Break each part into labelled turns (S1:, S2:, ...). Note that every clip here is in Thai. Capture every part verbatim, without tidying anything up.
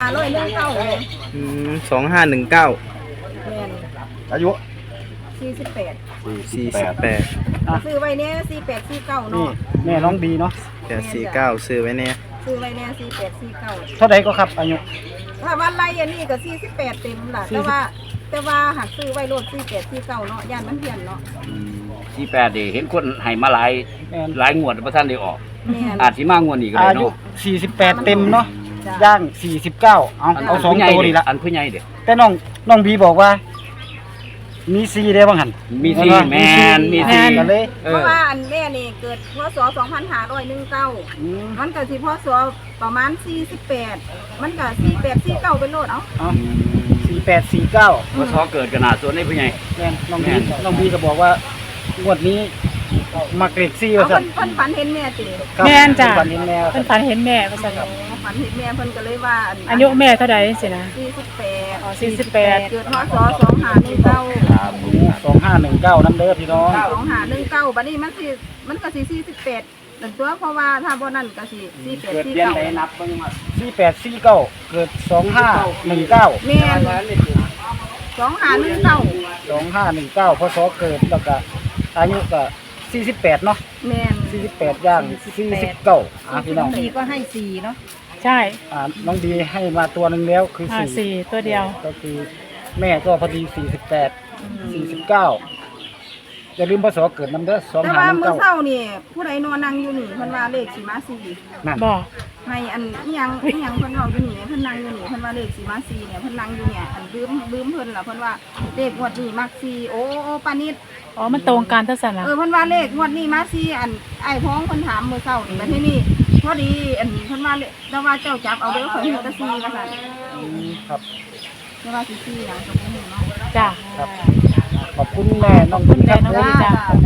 S1: ร้อยเรื่องเก้าเลย
S2: อืมสองห้าหนึ่งเก้า
S1: แม่น
S3: อายุ
S1: สี่สิบแปด
S2: สี่สิบแปด
S1: ซื้อไว้เนี้ยสี่แปดสี่เก้า
S3: นี่
S1: เนาะ
S3: แม่น้องบีเนาะ
S2: แปดสี่เก้าซื้อไว้เนี่ย
S1: ซื้อไว้เนี้ยสี่แปดสี่เก้า
S3: เท่าไหร่ก็ครับอายุ
S1: ถ้าวันไรอันนี้ก็สี่สิบแปดเต็มล่ะแต่ว่าแต่ว่าหากซื้อไว้รถสี่แปดสี่เก้าเนาะย่านมันเพี้ยนเนาะ
S4: สี่แปดเดี๋ยวเห็นคนให้มาหลายหลายงวดพระท่านได้ออก
S1: อา
S4: อาจสิมางวดอีกก็ได้
S3: อายุ
S4: เนาะ
S3: สี่สิบแปดเต็มเนาะย่างสี่สิบเก้าเอาเอาสองตัวนี่ละ
S4: อันผู้ใหญ่เด้
S3: แต่น้องน้องบีบอกว่ามีซีได้บ้างหัน
S4: มีซีแมนมีซี
S3: กันเลย
S1: เพราะว่าอันแม่นี่เกิดพศสองพันห้าร้อยหนึ่งเก้ามันก็สิพศประมาณสี่สิบแปดมันก็สี่แปดสี่เก้าเป็นโลดเอ้า
S3: สี่แปดสี่เก้า
S4: พศเกิดขนาดส่วนในผู้ใหญ่
S3: แม่น้องบีน้องบีก็บอกว่างวดนี้มาเกรดซีว่าสั่น
S1: เพิ่นฝันเห็นแม่ติ
S5: แม่นจ้ะ
S3: ฝันเห็นแม่
S5: เพิ่นฝันเห็นแม่ว่าซั่น
S1: ฝันเห็นแม่เพิ่นก็เลยว่า
S5: อายุแม่เท่าใดสินะ
S1: สี่สิบแปด
S5: อ๋อสี่สิบแปด
S1: เกิดพศสองห้าหนึ่งเก้า
S3: ครับสองห้าหนึ่งเก้าน้ำเด้อพี่น้อง
S1: สองห้าหนึ่งเก้าบัดนี้มันสิมันก็สิสี่สิบแปดนั่นตัวเพราะว่าถ้าบ่นั่นก็สิสี่แปดสี่เก้า
S3: เกิดเดือนใดนับเบิ่งมาสี่แปดสี่เก้าเกิดสองห้าหนึ่งเก้า
S1: แม่นสองห้าหนึ่งเก้า
S3: สองห้าหนึ่งเก้าพศเกิดแล้วก็อายุก็สี่สิบแปดเนาะ
S1: แม่น
S3: สี่สิบแปดย่างสี่สิบเก้าอ่ะพี่น้อง
S1: ดีก็ให้สี่เนาะ
S5: ใช่
S3: อ่าน้องดีให้มาตัวหนึ่งแล้วคือสี่
S5: สี่ตัวเดียว
S3: ก็คือแม่ก็พอดีสี่สิบแปดสี่สิบเก้าอย่าลืมพศเกิดน้ำเด้อสอง
S1: แต่
S3: ห้า
S1: ว่า
S3: หนึ่ง
S1: มื้อ
S3: เก้า
S1: เช้านี่ผู้ใดนอนนั่งอยู่นี่เพิ่นว่าเลขสิมาสี่
S3: นั่น
S5: บ่
S1: ให้อันอีหยังอีหยังเพิ่นเว้าอยู่นี่เพิ่นนั่งอยู่นี่เพิ่นว่าเลขสิมาสี่เนี่ยเพิ่นนั่งอยู่เนี่ยอันลืมลืมเพิ่นล่ะเพิ่นว่าเลขงวดนี้มักสี่โอ้โอ้ปานิด
S5: อ๋อมันตรงกันเท่าซั่นล่ะ
S1: เออเพิ่นว่าเลขงวดนี้มาสี่อันไอ้พ้องเพิ่นถามมื้อเช้านี่บัดทีนี้พอดีอันเพิ่นว่าแต่ว่าเจ้าจับเอาเด้อข่อยเฮ็ดแต่สี่ว่าซั่น
S3: ครับ
S1: แต่ว่าสิสี่หยังก็บ่ฮู้เนาะ
S5: จ้ะ
S3: ครับขอบคุณแม่น้องคุณครับขอบคุณ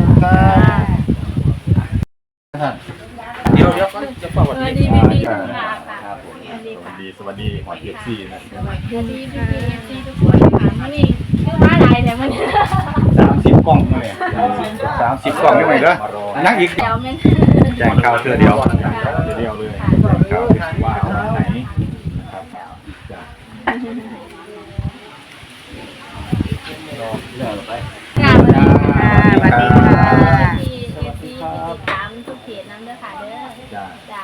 S3: ครับ
S6: เดี๋ยวเดี๋ยวจะฝากวั
S5: สวัสดีพี่พี่ทุกท่านค่ะ
S6: สวัสดีสวัสดีสวัสดีหอยเอฟซีนะ
S5: สวัสดีพี่พี่เอฟซีทุกคนค่ะมื้อนี้คือมาหลายแต่มัน
S6: สามสิบกล่องเลยสามสิบกล่องไม่ไหวแล้วนั่งอีก
S5: เดี๋ยวแม่น
S6: แจกข้าวเทือเดียวเทือเดียวเลยแจกข้าวว่าเอาไหนนะครับรอเรื่องไป
S5: ค่ะสวัสดีค่ะ
S1: สวัสดีค่ะ
S5: ที่เอฟซีติดตามทุกเพจนั้นเด้อค่ะเด้อจ้าจ้า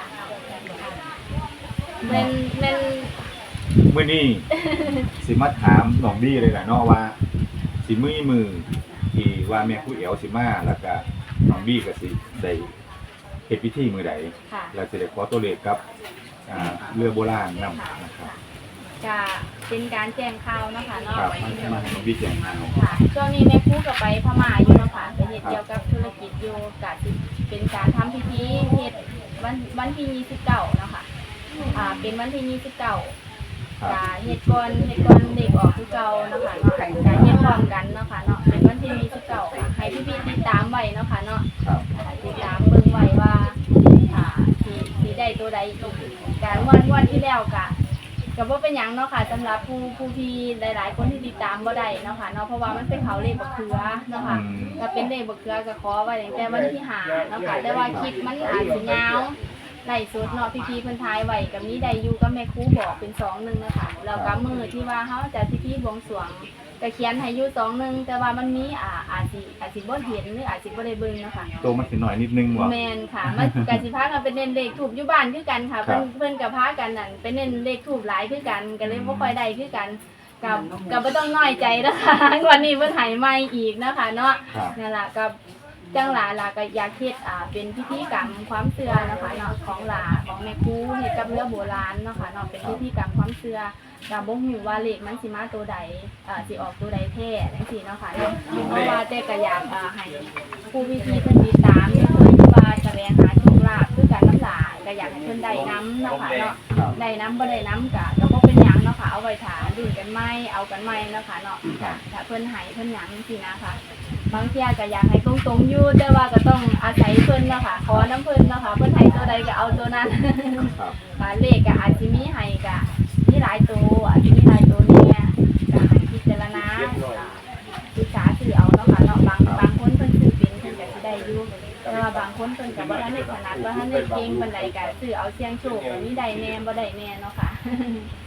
S5: แม่นแม่น
S6: มื้อนี้สิมาถามน้องดีเลยแหละเนาะว่าสิมือมือที่ว่าแม่ผู้เอ๋วสิมาแล้วก็น้องดีก็สิได้เฮ็ดพิธีมื้อใดแล้วสิได้ขอตัวเลขกับอ่าเรือโบราณนำนะครับ
S5: จะเป็นการแจ้งข่าวเนาะค่ะเนาะ
S6: ครับมาน้องดีแจ้งข่าว
S5: ค่ะช่วงนี้แม่ครูก็ไปพม่าอยู่เนาะค่ะไปเฮ็ดเกี่ยวกับธุรกิจอยู่ก็สิเป็นการทำพิธีเฮ็ดวันวันที่ยี่สิบเก้าเนาะค่ะอ่าเป็นวันที่ยี่สิบเก้าจะเฮ็ดก่อนเฮ็ดก่อนเด็กออกคือเก่าเนาะค่ะเนาะจะเฮ็ดพร้อมกันเนาะค่ะเนาะเป็นวันที่ยี่สิบเก้าให้พี่ๆติดตามไว้เนาะค่ะเนาะติดตามเบิ่งไว้ว่าอ่าสิสิได้ตัวใดการวันวันที่แล้วก็ก็บ่เป็นหยังเนาะค่ะสำหรับผู้ผู้ที่หลายๆคนที่ติดตามบ่ได้เนาะค่ะเนาะเพราะว่ามันเป็นเขาเลขบักเขือเนาะค่ะก็เป็นเลขบักเขือก็ขอไว้ตั้งแต่วันที่ห้าเนาะค่ะแต่ว่าคลิปมันอาจสิยาวไล่สดเนาะพี่ๆเพิ่นทายไว้กับนี้ได้อยู่ก็แม่ครูบอกเป็นสองหนึ่งนะคะแล้วก็มื้อที่ว่าเฮาจะพิธีบวงสรวงก็เขียนให้อยู่สองหนึ่งแต่ว่ามันมีอ่าอาจสิอาจสิบ่เห็นหรืออาจสิบ่ได้เบิ่งเนาะค่ะ
S6: โตมันสิหน่อยนิดนึงว่ะ
S5: แม่นค่ะมันก็สิพากันเป็นเน้นเลขทูปอยู่บ้านคือกันค่ะเพิ่นเพิ่นก็พากันนั่นเป็นเน้นเลขทูปหลายคือกันก็เลยบ่ค่อยได้คือกันกับก็บ่ต้องน้อยใจนะคะวันนี้เพิ่นให้ใหม่อีกนะคะเนาะนั่นล่ะกับจังหลาหลาก็อยากเฮ็ดอ่าเป็นพิธีกรรมความเชื่อนะคะเนาะของหลาของแม่ครูเฮ็ดกับเรือโบราณเนาะค่ะเนาะเป็นพิธีกรรมความเชื่อก็บ่ฮู้ว่าเลขมันสิมาตัวใดอ่าสิออกตัวใดแท้จังซี่เนาะค่ะเนาะเพราะว่าแต่ก็อยากอ่าให้ผู้พิธีเพิ่นติดตามเพิ่นว่าแสวงหาโชคลาภคือกันน้ำหลาก็อยากให้เพิ่นได้นํเนาะค่ะเนาะได้นํบ่ได้นํก็ก็บ่เป็นหยังเนาะค่ะเอาไว้ถาดุนกันใหม่เอากันใหม่เนาะค่ะเนาะถ้าเพิ่นให้เพิ่นหยังจังซี่นะคะบางเที่ยก็อยากให้ตรงๆอยู่แต่ว่าก็ต้องอาศัยเพิ่นเนาะค่ะขอน้ำเพิ่นเนาะค่ะเพิ่นให้ตัวใดก็เอาตัวนั้นค่ะเลขก็อาจสิมีให้ก็มีหลายตัวอาจจะมีหลายตัวเนี่ยก็ให้พิจารณาศึกษาซื้อเอาเนาะค่ะเนาะบางบางคนเพิ่นซื้อเป็นเพิ่นก็สิได้อยู่แต่ว่าบางคนเพิ่นก็บ่ทันได้ถนัดบ่ทันได้เก่งปานใดก็ซื้อเอาเสี่ยงโชคก็มีได้แน่บ่ได้แน่เนาะค่ะ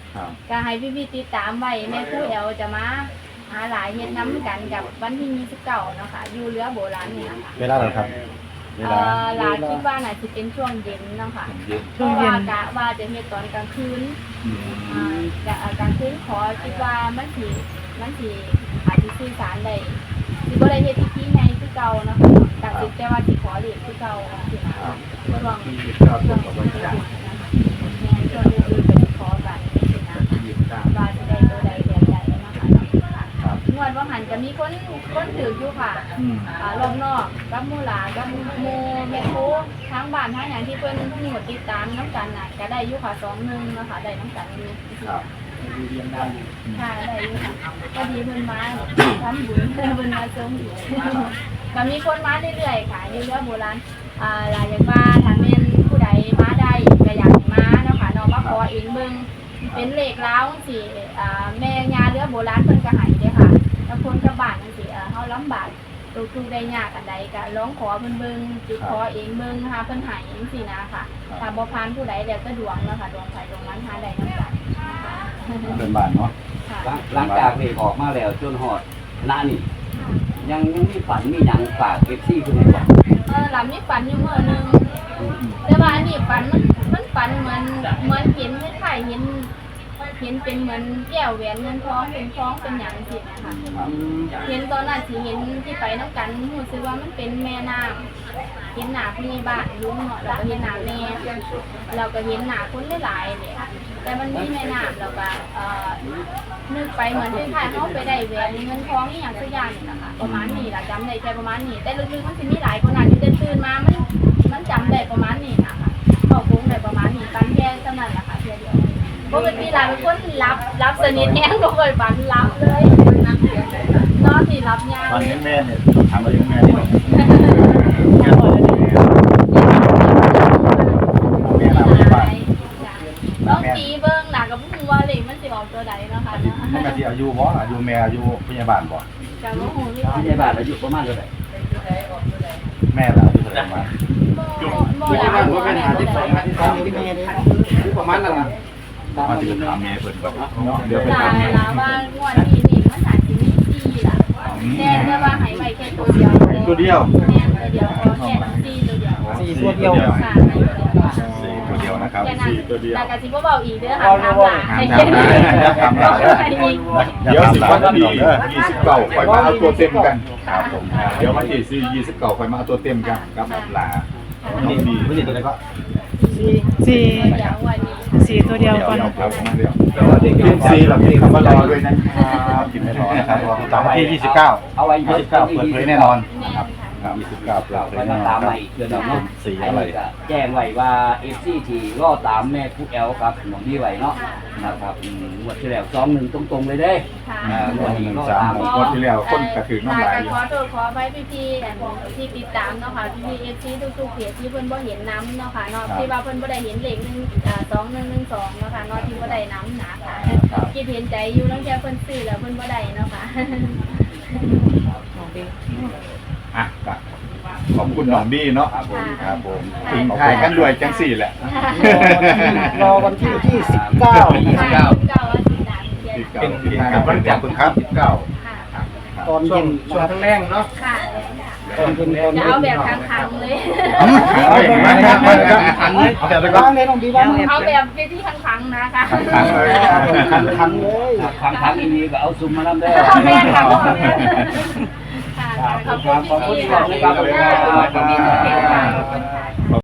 S6: ครับ
S5: ก็ให้พี่ๆติดตามไว้แม่ครูแอลจะมาหาหลายเฮ็ดน้ำกันกับวันที่ยี่สิบเก้าเนาะค่ะอยู่เรือโบราณนี่นะคะ
S6: เวลาอะไรครับ เว
S5: เอ่
S6: ลา
S5: อหลานคิดว่าน่าจะเป็นช่วงเย็นเนาะค่ะ
S6: เย็น
S5: เพราะว่ากะว่าจะเฮ็ดตอนกลางคืน
S6: อืม
S5: อ่ากะกลางคืนขอคิดว่ามันสิมันสิอาจสิสื่อสารได้สิบ่ได้เฮ็ดพิธีใหญ่คือเก่าเนาะค่ะแต่สิแต่ว่าสิขอเรียนคือเก่าสินะก็ลอง
S6: ที่เก้าตรงกับวันที่
S5: แม่ช่วงอื่นๆก็สิขอกันสินะ
S6: ยี่สิบเก้า
S5: ว่าจะได้ตัวใดแบบใดเนาะค่ะ
S6: ครับ
S5: งวดว่าหันจะมีคนคนถืออยู่ค่ะ
S6: อืม
S5: อ่ารอบนอกกับหมู่หลานกับหมู่แม่ครูทั้งบ้านทั้งอย่างที่เพิ่นมีหมดติดตามน้ำกันน่ะก็ได้อยู่ค่ะสองหนึ่งเนาะค่ะได้น้ำกันอยู่
S6: ครับ
S5: ค่ะได้อยู่ค่ะก็ดีเพิ่นมาทำบุญเพิ่นมาเสริมบุญก็มีคนมาเรื่อยๆค่ะอยู่เรือโบราณอ่าหลายอย่างว่าถ้าแม่นผู้ใดมาได้ก็อยากให้มาเนาะค่ะเนาะมาขอเองเบิ่งเป็นเลขล้าวจังซี่อ่าแม่ย่าเรือโบราณเพิ่นก็ให้เด้อค่ะถ้าคนกับบ้านจังซี่เอ่อเฮาลำบากทุกๆได้ยากอันใดก็ร้องขอเพิ่นเบิ่งจุดขอเองเบิ่งนะคะเพิ่นให้จังซี่นะค่ะถ้าบ่ผ่านผู้ใดแล้วก็ดวงเนาะค่ะดวงไผดวงมันหาได้นำกันนะคะ
S6: เป็นบ้านเนาะ
S5: ค่ะ
S4: หลังจากเลขออกมาแล้วจนฮอดหน้านี่ยังยังมีฝันมีหยังฝาก เอฟ ซี คือไงบ่
S5: เออหลับนี่ฝันอยู่เมื่อนึงแต่ว่าอันนี้ฝันมันมันฝันเหมือนเหมือนเห็นคล้ายๆเห็นเห็นเป็นเหมือนแก้วแหวนเงินทองเป็นทองเป็นหยังสินะคะเห็นตอนนั้นสิเห็นที่ไปน้ำกันรู้สึกว่ามันเป็นแม่น้ำเห็นหน้าผู้ในบ้านลุงเนาะแล้วก็เห็นหน้าแม่เราก็เห็นหน้าคนหลายๆเนี่ยแต่มันมีแม่น้ำแล้วก็เอ่อนึกไปเหมือนคล้ายๆเขาไปได้แหวนเงินทองนี่อย่างสักอย่างนี่นะคะประมาณนี้ล่ะจำได้แค่ประมาณนี้แต่ลึกๆมันสิมีหลายคนอาจจะตื่นมามันมันจำได้ประมาณนี้นะคะเขาคงได้ประมาณนี้ปันแค่เท่านั้นแหละค่ะเพียงเดียวปกติเราเป็นคนรับรับสนิทแห้งก็เคยฝันรับเลยนอนที่รับยาก
S6: ตอน
S5: เล
S6: นี้
S5: ย
S6: แม่เนี่ยถามว่ายังแม่นี่หรอแม่เราไม่บ้าน
S5: ต้องตีเบิ้งหนักกับพุ่งว่าเหล็กมันสิออกตัวใดเนาะค่ะ
S6: มันก็ที่อายุบ่อายุแม่อายุพยาบาลบ่
S5: กับว่าหูที่
S4: ผู้ใหญ่บ้านอายุประมาณเท่าไหร่
S6: แม่เราอายุเท่าไหร่มา
S5: โมหลายโมเป็นหาที่สอง
S3: ประมาณนั้น
S6: มาถึงถามแม่เพิ่นก่อนเนาะเดี๋ยวเพิ่น
S5: หลา
S6: ถาม
S5: ย
S6: แม่
S5: หลายว่างวดนี้นี่มันอาจจะมีสี่ล่ะแต่แต่ว่าหายไปแค่ตัวเดียว
S6: ตัวเดียว
S5: แม่ตัวเดียวพอแค่สี่ตัวเดียว
S3: สี่ตัวเดียว
S5: ค่ะ
S6: สี่ตัวเดียวนะครับ
S5: แค่นั้น
S6: สี่ตัวเดียว
S5: แต่กะสิบ่เบาอีกเด้อค่ะทำหลาย
S6: ห้ามทำได้อย่าทำหลายเดี๋ยวสิบวันที่ยี่สิบเก้าค่อยมาเอาตัวเต็มกันครับผมเดี๋ยววันที่สี่ยี่สิบเก้าค่อยมาเอาตัวเต็มกันกับหลาน้องดีไม่ใช่ตัวไหนก็
S7: สี่
S5: เดี๋ยววันนี้
S7: สี่ตัวเดียวก่อน
S6: ครับผมเดียวแต่ว่าเด็กเรียนซีเรามีคำว่ารอด้วยนะครับกินไม่รอนะครับตามวันที่ยี่สิบเก้า
S4: เอาไว้
S6: ยี่สิบเก้าเปิดเผยแน่นอน
S5: แม่
S6: นะครับ
S5: ค่ะ
S6: ครับยี่สิบเก้าเปิ
S4: เรา
S6: ดเผ
S4: ไป
S6: ยแน่
S4: มาน
S6: อน
S4: ตาม
S6: ครั
S4: ใหม่
S6: บ
S4: อีกเดือนหนึงเนาะ
S6: สีอะไร
S4: ก็แจ้งไว้ว่า เอฟ ซี ที่รอตามแม่ครูแอลครับหนองดีไว้เนาะนะครับอืมงวดที่แล้วสองหนึ่งตรงๆเลยเด้
S5: ค่ะ
S4: อ่างวดนี้
S6: หนึ่ง
S4: รอ
S6: สาม
S4: ตาม
S6: หกงวดที่แล้วคนกระถือน้ำลายอยู่
S5: ขอโทษขอไปพี่พี่ๆที่ติดตามเนาะค่ะพี่พี่เอฟซีทุกๆเพจที่เพิ่นบ่เห็นน้ำเนาะค่ะเนาะที่ว่าเพิ่นบ่ได้เห็นเลขหนึ่งอ่าสองหนึ่งหนึ่งสองเนาะค่ะเนาะที่บ่ได้น้ำหนาค่ะคิดเห็นใจอยู่ตั้งแต่เพิ่นซื้อแล้วเพิ่นบ่ได้เนาะค่ะ
S6: อ่ะก็ขอบคุณน้องดีเนาะ
S5: ค่ะ
S6: ครับผมทิ้งท้ายกันด้วยจังสี่แหละ
S3: รอวันที่ยี่สิบเก้า
S4: ยี่สิบเก้า
S5: เก้าวันที่สามเดือน
S6: สิบเก้าทิ้งท้ายกันวันจันทร์ครับสิบเก้า
S5: ค่ะ
S3: ตอนเย็นช่วงทั้งแรงเนาะ
S5: ค่ะ
S3: ตอนเย็นตอน
S5: จะ
S3: เย็น
S5: เอาแบบคังๆเลย
S6: เอาแบบนั้นครับเอาแบบนั้น
S3: บ้างเลยน้องดีบ้างเลย
S5: เอาแบบที่คังๆนะคะ
S6: คังๆเลย
S3: คันคันเลย
S4: ครั้งครั้งนี้ก็เอาซุ่มมาลำได้
S5: เอาแม่ค่ะเอาแม่ค่ะขอบคุณพี่ๆค่ะขอบคุณพี่ๆทุกเพจค่ะ